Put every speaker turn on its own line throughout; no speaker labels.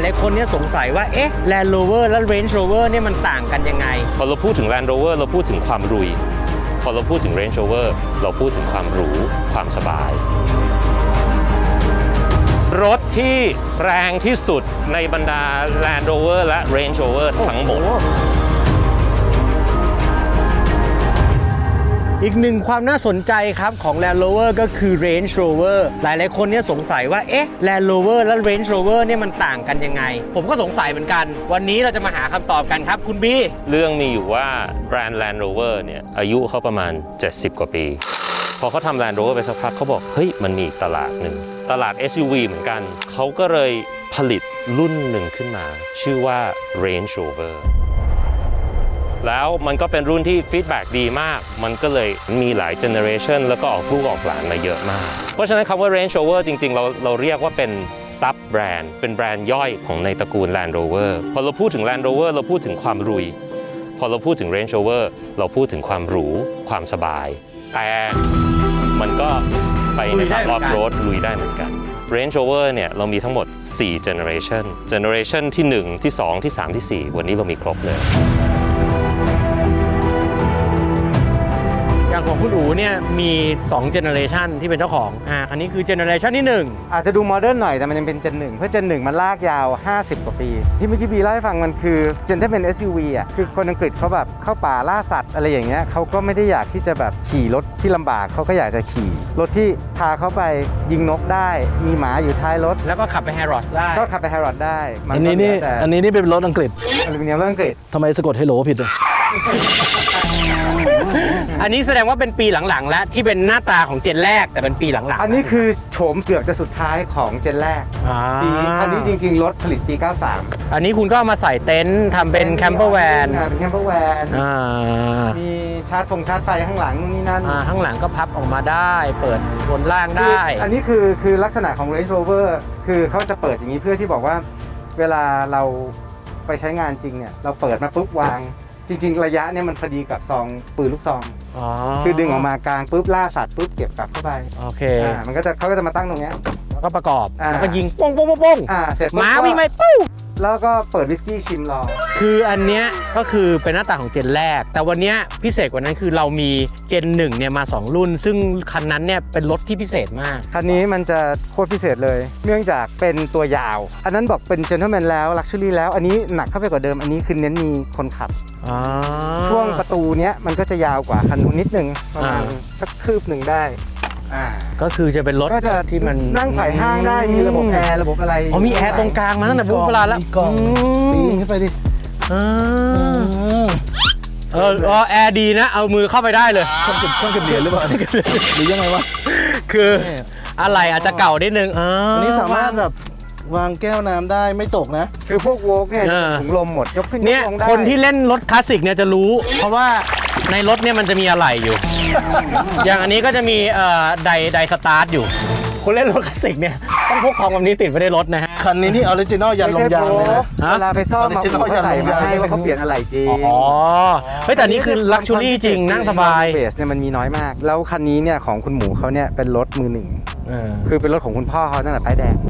ายๆคนเนี่ยสงสัยว่าเอ๊ะ Land Rover และ Range Rover เนี่ยมันต่างกันยังไง
พอเราพูดถึง Land Rover เราพูดถึงความรุยพอเราพูดถึง Range Rover เราพูดถึงความหรูความสบายรถที่แรงที่สุดในบรรดา Land Rover และ Range Rover ทั้งหมด
อีกหนึ่งความน่าสนใจครับของ Land Rover ก็คือ Range Rover หลายๆคนเนี่ยสงสัยว่าเอ๊ะ Land Rover และ Range Rover เนี่ยมันต่างกันยังไงผมก็สงสัยเหมือนกันวันนี้เราจะมาหาคำตอบกันครับคุณบี
เรื่องมีอยู่ว่าแบรนด์ Land Rover เนี่ยอายุเขาประมาณ70 กว่าปีพอเขาทำ Land Rover ไปสักพักเขาบอกเฮ้ยมันมีอีกตลาดหนึ่งตลาด SUV เหมือนกันเขาก็เลยผลิตรุ่นหนึ่งขึ้นมาชื่อว่า Range Roverแล้วมันก็เป็นรุ่นที่ฟีดแบ็กดีมากมันก็เลยมีหลายเจเนอเรชันแล้วก็ออกลูกออกหลานมาเยอะมากเพราะฉะนั้นคำว่า Range Rover จริงๆเราเรียกว่าเป็นซับแบรนด์เป็นแบรนด์ย่อยของในตระกูล Land Rover พอเราพูดถึง Land Rover เราพูดถึงความรุยพอเราพูดถึง Range Rover เราพูดถึงความหรูความสบายแต่มันก็ไปในทางออฟโรดลุยได้เหมือนกัน Range Rover เนี่ยเรามีทั้งหมด4 Generation Generation ที่1ที่2ที่3ที่4วันนี้เรามีครบเลย
อย่างของคุณอู๋เนี่ยมี2 generation ที่เป็นเจ้าของคันนี้คือ generation ที่1
อาจจะดูโมเดิร์นหน่อยแต่มันยังเป็นเจน1เพราะเจน1มันลากยาว50 กว่าปีที่เมื่อกี้บีเล่าให้ฟังมันคือเจนที่เป็น SUV อ่ะคือคนอังกฤษเขาแบบเข้าป่าล่าสัตว์อะไรอย่างเงี้ยเขาก็ไม่ได้อยากที่จะแบบขี่รถที่ลำบากเขาก็อยากจะขี่รถที่พาเขาไปยิงนกได้มีหมาอยู่ท้ายรถ
แล้วก็ขับไปแฮร์รอดได้
ก็ขับไปแฮร์รอดได้
อันนี้นี่เป็นรถอังกฤษ
อลูมิเนียมรถอังกฤษ
ทำไมสะกดเฮโลผิดอ่ะ
อันนี้แสดงว่าเป็นปีหลังๆแล้วที่เป็นหน้าตาของเจนแรกแต่เป็นปีหลังๆ
อันนี้คือโฉมเกือบจะสุดท้ายของเจนแรกปีอันนี้จริงๆรถผลิตปี93
อันนี้คุณก็เอามาใส่เต็นท์ทำเป็นแคมเปอร์แวน
เป็นแคมเปอร์แวนมีชาร์จไฟข้างหลังนี่นั่น
ข้างหลังก็พับออกมาได้เปิดบนล่างได้
อันนี้คือลักษณะของ Range Rover คือเขาจะเปิดอย่างนี้เพื่อที่บอกว่าเวลาเราไปใช้งานจริงเนี่ยเราเปิดมาปุ๊บวางจริงๆระยะเนี่ยมันพอดีกับซองปืนลูกซองคือดึงออกมากลางปุ๊บล่าสัตว์ปุ๊บเก็บกลับเข้าไป
โอเค
มันก็จะเขาก็จะมาตั้งตรงนี้
แล้วก็ประกอบแล้วก็ยิงป้งป้งป้ง
เสร็จ
ม้าวิ่งไปปุ๊บ
แล้วก็เปิดวิสกี้ชิมรอ
คืออันเนี้ยก็คือเป็นหน้าตาของเจนแรกแต่วันนี้พิเศษกว่านั้นคือเรามีเจน1เนี่ยมา2รุ่นซึ่งคันนั้นเนี่ยเป็นรถที่พิเศษมาก
คันนี้มันจะโคตรพิเศษเลยเนื่องจากเป็นตัวยาวอันนั้นบอกเป็นเจนเทลแมนแล้วลักชัวรี่แล้วอันนี้หนักเข้าไปกว่าเดิมอันนี้คือเน้นมีคนขับช่วงประตูเนี้ยมันก็จะยาวกว่าคันนู้นนิดนึงประมาณสักคืบหนึ่งได้
ก็คือจะเป็นรถที่มัน
นั่งไผ่ห้างได้มีระบบแอร์ระบบอะไร
มีแอร์ตรงกลางมาตั้งแต่โบราณแล้ว
ปีนขึ้นไปดิ
แอร์ดีนะเอามือเข้าไปได้เลย
ช่องเก็บเหรียญหรือเปล่าหรือยังไงวะ
คืออะไรอาจจะเก่านิดนึง
อันนี้สามารถแบบวางแก้วน้ำได้ไม่ตกนะ
คือพวกโวล์กเนี่ยถุงลมหมดยกขึ้น
เนี่ยคนที่เล่นรถคลาสสิกเนี่ยจะรู้เพราะว่าในรถเนี่ยมันจะมีอะไรอยู่ อย่างอันนี้ก็จะมีไดสตาร์ทอยู่คนเล่นรถคลาสสิกเนี่ยต้องพกของแบบนี้ติดไว้ในรถนะฮะ
คันนี้ที่ออริจินอลยันลงยางเลยนะ
เวลาไปซ่อมมาใส่มาให้ว่าเขาเปลี่ยนอะไรจริง
แต่นี่คือลักชัวรี่จริงนั่งสบาย
เบสเนี่ยมันมีน้อยมากแล้วคันนี้เนี่ยของคุณหมูเขาเนี่ยเป็นรถมือหนึ่งคือเป็นรถของคุณพ่อเขาตั้งแต่ป้ายแดง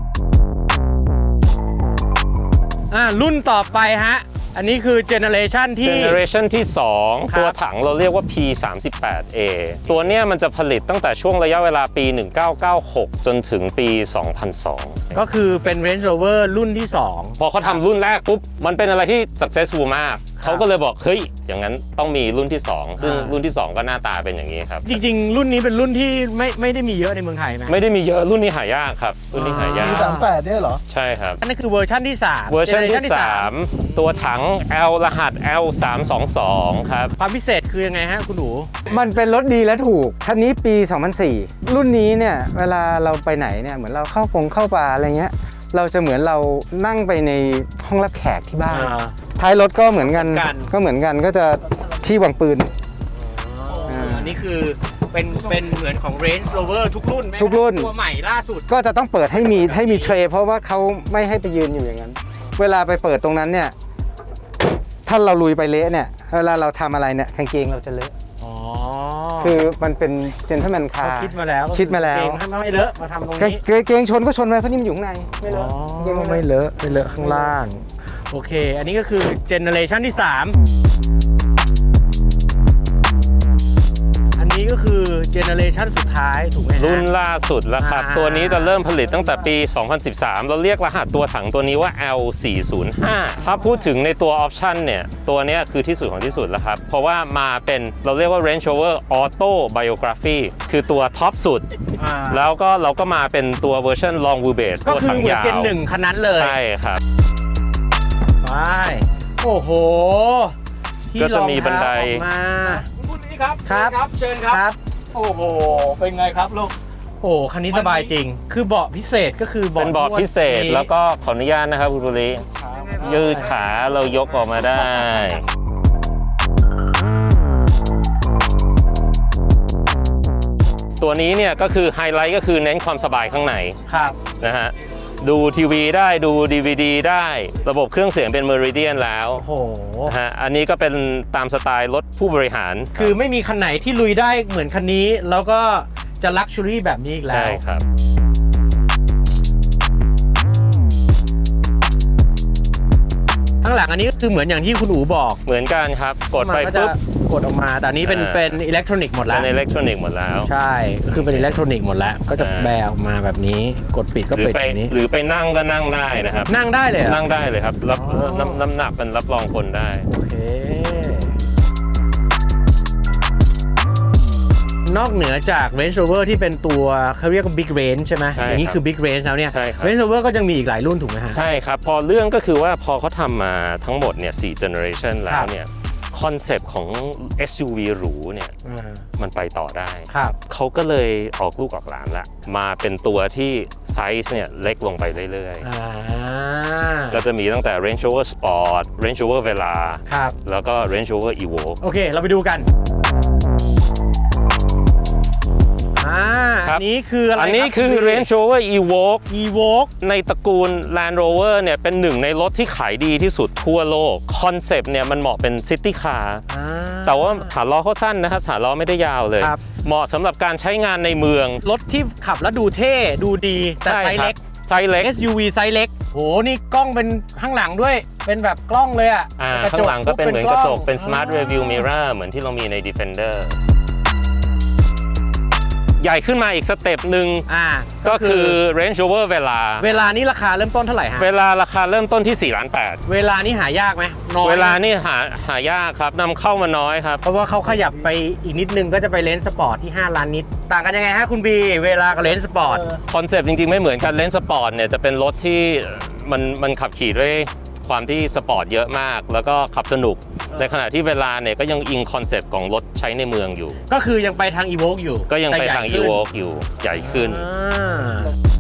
รุ่นต่อไปฮะอันนี้คือเจเนอเรชันที่
2ตัวถังเราเรียกว่า P38A ตัวเนี้ยมันจะผลิตตั้งแต่ช่วงระยะเวลาปี1996จนถึงปี2002
ก็คือเป็น Range Rover รุ่นที่2
พอเขาทำรุ่นแรกปุ๊บมันเป็นอะไรที่ successful มากเขาก็เลยบอกเฮ้ยอย่างนั้นต้องมีรุ่นที่2ซึ่งรุ่นที่2ก็หน้าตาเป็นอย่างนี้ครับ
จริงๆรุ่นนี้เป็นรุ่นที่ไม่ได้มีเยอะในเมืองไทยนะ
ไม่ได้มีเยอะรุ่นนี้หายากครับรุ่นนี้หายาก
38เนี่ยเหรอ
ใช่ครับ
อันนี้คือเวอร์ชันที่3
เวอร์ชันที่3ตัวถัง L รหัส L322 ครับ
ความพิเศษคือยังไงฮะคุณหนู
มันเป็นรถดีและถูกคันนี้ปี2004รุ่นนี้เนี่ยเวลาเราไปไหนเนี่ยเหมือนเราเข้าป่าอะไรเงี้ยเราจะเหมือนเรานั่งไปในห้องรับแขกที่บ้านท้ายรถก็เหมือนกันก็จะที่วางปืน
อันนี้คือเป็นเหมือนของ Range Rover ทุกรุ่นตัวใหม่ล่าสุด
ก็จะต้องเปิดให้มีเทรย์เพราะว่าเขาไม่ให้ไปยืนอยู่อย่างนั้นเวลาไปเปิดตรงนั้นเนี่ยถ้าเราลุยไปเละเนี่ยเวลาเราทำอะไรเนี่ยกางเกงเราจะเลอะคือมันเป็นเจนเทอร์แมนคา
เขา
ร์
คิดมาแล้ว
คิดมาแล้ว
เกงให้ไม่เลอะมาทำตรงนี้
เกงชนก็ชนไปเพราะนี่มันอยู่ข้างในไม่เล
อ๋
อะ
อ
เกง
ไม่เลอะไม่เลอะข้างล่าง โอเค อันนี้ก็คือเจเนอเรชันที่ 3 อันนี้ก็คือเจเนอเรชันสุดท้ายถูกไหมฮะ
รุ่นล่าสุดแล้วครับ ตัวนี้จะเริ่มผลิตตั้งแต่ปี 2013 เราเรียกรหัสตัวถังตัวนี้ว่า L405 ถ้าพูดถึงในตัวออปชันเนี่ย ตัวเนี้ยคือที่สุดของที่สุดแล้วครับ เพราะว่ามาเป็นเราเรียกว่า Range Rover Auto Biography คือตัวท็อปสุด
อ่า
แล้วก็เราก็มาเป็นตัวเวอร์ชัน Long Wheelbase
ก็
ตัว
คือ
ถัง
เหมือน
ยาว
เป็นหนึ่งคันนั้นเลย
ใช่ครับ
ไปโอ้โหที่
ก็จะมีบันได
รองเท้าออกมา
คุณนี้ครับ
ครับ
เชิญครับ
ครับ
โอ้โห เป็นไงครับลูก
โอ้คันนี้สบายจริง คือเบาะพิเศษก็คือ
เป็นเบาะพิเศษแล้วก็ขออนุญาตนะครับคุณบุรียืดขาเรายกออกมาได้ ตัวนี้เนี่ยก็คือไฮไลท์ก็คือเน้นความสบายข้างใน
ครับ
นะฮะดูทีวีได้ดู DVD ได้ระบบเครื่องเสียงเป็น Meridian แล้ว
โอ้โห
นะฮะอันนี้ก็เป็นตามสไตล์รถผู้บริหาร
คือไม่มีคันไหนที่ลุยได้เหมือนคันนี้ แล้วก็จะลักชัวรี่แบบนี้อีกแล้
ใช่
ว
ครับ
ข้างหลังอันนี้ก็คือเหมือนอย่างที่คุณอู๋บอก
เหมือนกันครับกดไป
มันก็จะ
ปุ๊บ
กดออกมา แต่อันนี้เป็นอิเล็กทรอนิกส์หมดแล้
เป็
วน
อิเล็กทรอนิกส์หมดแล้ว
ใช่ก็คือเป็นอิเล็กทรอนิกส์หมดแล้ว ก็จะ
อ่า
แบออกมาแบบนี้ กดปิดก็
หรือ
ปิด
ไป
แบบนี้
หรือไปนั่งก็นั่งได้นะครับ
นั่งได้เลยเหรอ
นั่งได้เลยครับรับ
อ๋อ
น้ำหนักเป็นรับรองคนได้
โอเค นอกเหนือจาก Range Rover ที่เป็นตัวเขาเรียกว่า Big Range ใช่ไหม
ใช่
อย่างนี้
ครับ
คือ Big Range แล้วเนี่ย
ใช่ครับ
Range Rover ก็ยังมีอีกหลายรุ่นถูกไหมฮะ
ใช่ครับ พอเรื่องก็คือว่าพอเขาทำมาทั้งหมดเนี่ย4 generation แล้
ครั
ว
บ
เนี่ยคอนเซปต์ของ SUV หรูเนี่ย
อ่า
มันไปต่อได้
ครับ
เขาก็เลยออกลูกออกหลานละมาเป็นตัวที่ไซส์เนี่ยเล็กลงไปเรื่อย
อ่า
ๆ ก็จะมีตั้งแต่ Range Rover Sport Range Rover Vela
ครับ
แล้วก็ Range Rover Evoque
โอเค เราไปดูกัน
ครับ
อันนี้คืออะไร
อันนี้
รับ
คือ Range Rover Evoque
Evoque
ในตระกูล Land Rover เนี่ยเป็นหนึ่งในรถที่ขายดีที่สุดทั่วโลกคอนเซปต์เนี่ยมันเหมาะเป็นซิตี้คาร์
อ่า
แต่ว่าฐานล้อเขาสั้นนะครับฐานล้อไม่ได้ยาวเลย
ครับ
เหมาะสำหรับการใช้งานในเมือง
รถที่ขับแล้วดูเท่ ดูดี แต่ไซส์เล็ก
ไซส์เล็ก
SUV ไซส์เล็กโหนี่กล้องเป็นข้างหลังด้วย เป็นแบบกล้องเลยอ่ะ
ข้างหลังก็เป็นเหมือนกระจกเป็น
ล้อง
Smart Review Mirror เหมือนที่เรามีใน Defender ใหญ่ขึ้นมาอีกสเต็ปหนึ่ง ก็คือ Range Rover Vela
เวลานี้ราคาเริ่มต้นเท่าไหร่ฮะ
เวลาราคาเริ่มต้นที่4 ล้าน
เวลานี้หายากไหมน้อย
เวลานี่หายากครับนำเข้ามาน้อยครับ
เพราะว่าเขาขยับไปอีกนิดนึงก็จะไปเลนส์สปอร์ตที่5ล้านนิด ต่างกันยังไงฮะคุณบีเวลากับเลนส์สปอร์ต
คอนเซปต์จริงๆไม่เหมือนกันเลนส์สปอร์ตเนี่ยจะเป็นรถที่มันขับขี่ด้วยความที่สปอร์ตเยอะมาก แล้วก็ขับสนุก ในขณะที่เวลาเนี่ยก็ยังอิงคอนเซปต์ของรถใช้ในเมืองอยู่
ก็คือยังไปทาง Evoque อยู่
ก็ยังไปทาง
แต่ใหญ่ขึ้น
Evoque อยู่ใหญ่ขึ้น
อ่า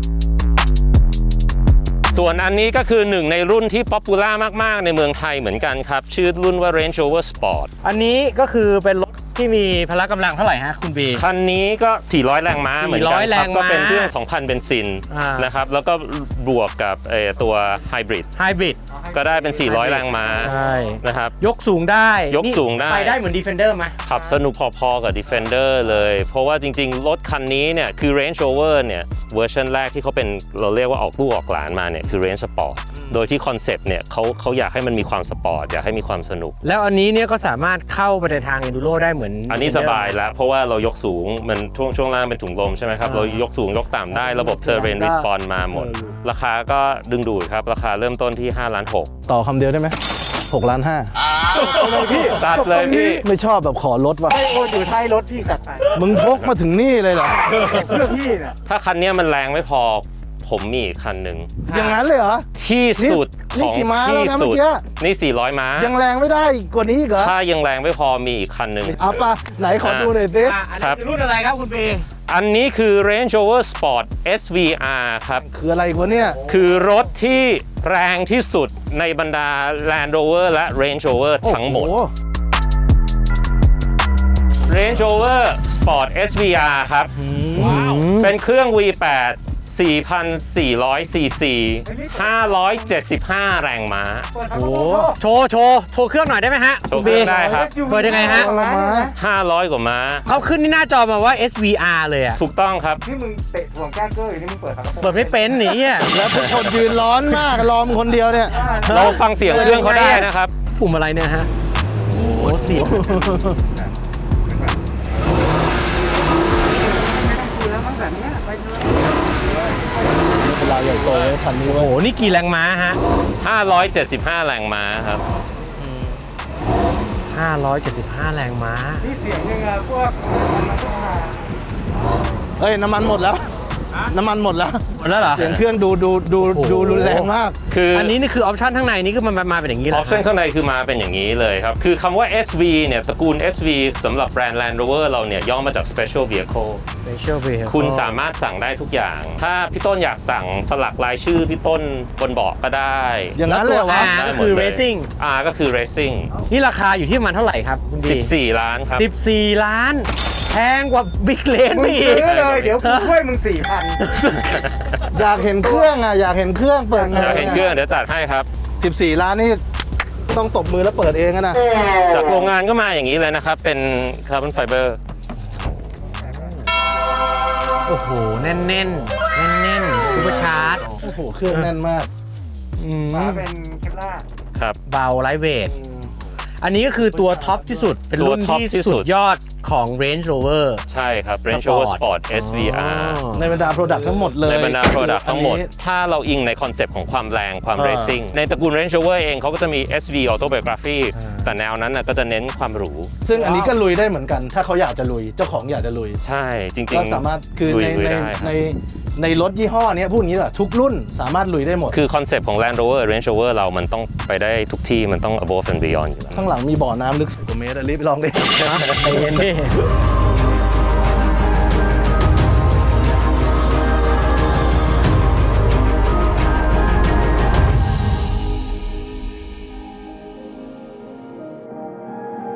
ส่วนอันนี้ก็คือหนึ่งในรุ่นที่ป๊อปปูล่ามากๆในเมืองไทยเหมือนกันครับ ชื่อรุ่นว่า Range Rover Sport
อันนี้ก็คือเป็นรถที่มีพละกำลังเท่าไหร่ฮะคุณบี
คันนี้ก็ 400 แรงม้าเหมือนกัน
400 แร
ครับ
งม้า
ก็เป็นเครื่อง 2,000 เบนซิน
อ่าน
นะครับแล้วก็บวกกับตัวไฮบริด
ไฮบริด
ก็ได้เป็น 400 แรงม้า
ใช่
นะครับ
ยกสูงได้
ยกสูงได้
นี่ไปได้เหมือน Defender ไหม
ขับสนุกพอๆกับ Defender เลย เพราะว่าจริงๆ รถคันนี้เนี่ยคือ Range Rover เนี่ยเวอร์ชันแรกที่เขาเป็นเราเรียกว่าออกลูกออกหลานมาเนี่ยคือ Range Sport โดยที่คอนเซปต์เนี่ยเขาอยากให้มันมีความสปอร์ตอยากให้มีความสนุก
แล้วอันนี้เนี่ยก็สามารถเข้าไปในทาง Enduro ได้เหมือน
อันนี้สบายแล้ว เพราะว่าเรายกสูงมันช่วงล่างเป็นถุงลมใช่ไหมครับ
อ่า
เรายกสูงยกต่ำได้ระบบ Terrain Response มาหมด ราคาก็ดึงดูดครับ ราคาเริ่มต้นที่5 ล้าน
ต่อคำเดียวได้ไหม6 ล้าน 5
6ตัดเลยพี่
ไม่ชอบแบบขอลดว่ะ
ให้โอนอยู่ท้ายรถพี่จัดไป
มึงพกมาถึงนี่เลยเหรอ
เพื่อพี่เนี่ย
ถ้าคันนี้มันแรงไม่พอผมมีอีกคันหนึ่ง
อย่างนั้นเลยเหรอ
ที่สุด
นี่
ของ
กี่ม้า
ที่
แล้วนะ
สุด
เมื่อกี้
นี่ 400 ม้า
ยังแรงไม่ได้กว่านี้อีกเหรอ
ถ้ายังแรงไม่พอมีอีกคันหนึ่ง
เอาปะไหนขอดูหน่อยสิ
อัน
ครั
นี้
บ
คือรุ่นอะไรครับคุณบี
อันนี้คือ Range Rover Sport SVR ครับ
คืออะไรวะเนี่ย
คือรถที่แรงที่สุดในบรรดา Land Rover และ Range Rover ทั้งหมด
โอ้โ
Range Rover Sport SVR ครับ เป็นเครื่อง V8 4,400 ซีซี 575 แรงม้า
โอ้โหโชว์เครื่องหน่อยได้ไหมฮะ
โชว์เครื่องได้ครับ
เปิดยังไงฮะ
500 กว่าม้า
เขาขึ้นที่หน้าจอมาว่า SVR เลยอะ
ถูกต้องครับ
นี่มึงเตะห่วงแก้เกอร์อยู่นี่มึงเปิดฝากระโปรง
เปิดไม่เป็นหนีอ่ะ
แล้วทุกคนยืนร้อนมากรอมคนเดียวเนี่ย
เราฟังเสียงเครื่องเขาได้นะครับ
ปุ่มอะไรเนี่ยฮะ โอ้โหเสียง
คือแล้วมันแบบเนี้ยไปเลย
เวลาใหญ่โตเลยพันนี้
โอ้
เว้
โห
ย
นี่กี่แรงม้าฮะ
575 แรงม้าครับ
575 แรงม้า
นี่เสียงยังไงพวกมันต้องมา
เฮ้ยน้ำมันหมดแล้ว น้ำมันหมดแล้ว
หมดแล้วเหรอ
เสียงเครื่องดูรุนแรงมาก
คือ
อันนี้นี่คือออปชั่นข้างในนี่คือมันมาเป็นอย่างนี้
อ
เล
อย ปชั่นข้างในคือมาเป็นอย่างนี้เลยครับ คือคำว่า SV เนี่ยตระกูล SV สำหรับแบรนด์ Land Rover เราเนี่ยย่อมาจาก Special Vehicle
Special Vehicle
คุณสามารถสั่งได้ทุกอย่าง ถ้าพี่ต้นอยากสั่งสลักลายชื่อพี่ต้นบนเบาะก็ได้
อย่างนั้นเลยเหรอวะ
R ก็คือ Racing
R ก็คือ Racing
นี่ราคาอยู่ที่ประมาณเท่าไหร่ครับคุณดี
14 ล้านครับ
14 ล้าน แพงกว่าบิ๊กเลน
มึ
ไป
ง
อี
ซื้
ก
อเลยเดี๋ยวกูช่วยมึง 4,000
อยากเห็นเครื่องอ่ะอยากเห็นเครื่องเปิดไง
อยากเห็นเครื่องเดี๋ยวจัดให้ครับ
14 ล้านนี่ต้องตบมือแล้วเปิดเองอะนะ
จากโรงงานก็มาอย่างนี้เลยนะครับ เป็นคาร์บอนไฟเบอร์
โอ้โห แน่นๆ แน่นๆซูเปอร์ชาร์จ
โอ้โหเครื่องแน่นมาก
ฝาเป็นเคปล่าร์
ครับ
เบาไลท์เวท อันนี้ก็คือตัวท็อปที่สุด เป็นรุ่น
ตัวท็อป
ที่
ที่สุ
สุ
ด
ดยอดของ Range Rover
ใช่ครับ Range Rover Sport
อ๋อ
SVR
ในบรรดาโปรดักต์ทั้งหมดเลย
ในบรรดา Product ทั้งหมด
อันนี้
ถ้าเราอิงในคอนเซปต์ของความแรงความ Racing ในตระกูล Range Rover เองเขาก็จะมี SV Autobiography แต่แนวนั้นน่ะก็จะเน้นความหรู
ซึ่งอันนี้ก็ลุยได้เหมือนกัน ถ้าเขาอยากจะลุยเจ้าของอยากจะลุย
ใช่จริงๆ
ก็สามารถคือ
ลุย
ใน
ได้ครับ
ในรถยี่ห้อเนี้ยพูดอย่างนี้แหละทุกรุ่นสามารถลุยได้หมด
คือคอนเซปต์ของ Land Rover Range Rover เรามันต้องไปได้ทุกที่มันต้อง above and beyond อยู่แล้ว
ข้างหลังมีบ่อน้ำลึก10 กว่าเมตรอะรีบไปลองดิ
ใจเย็นดิ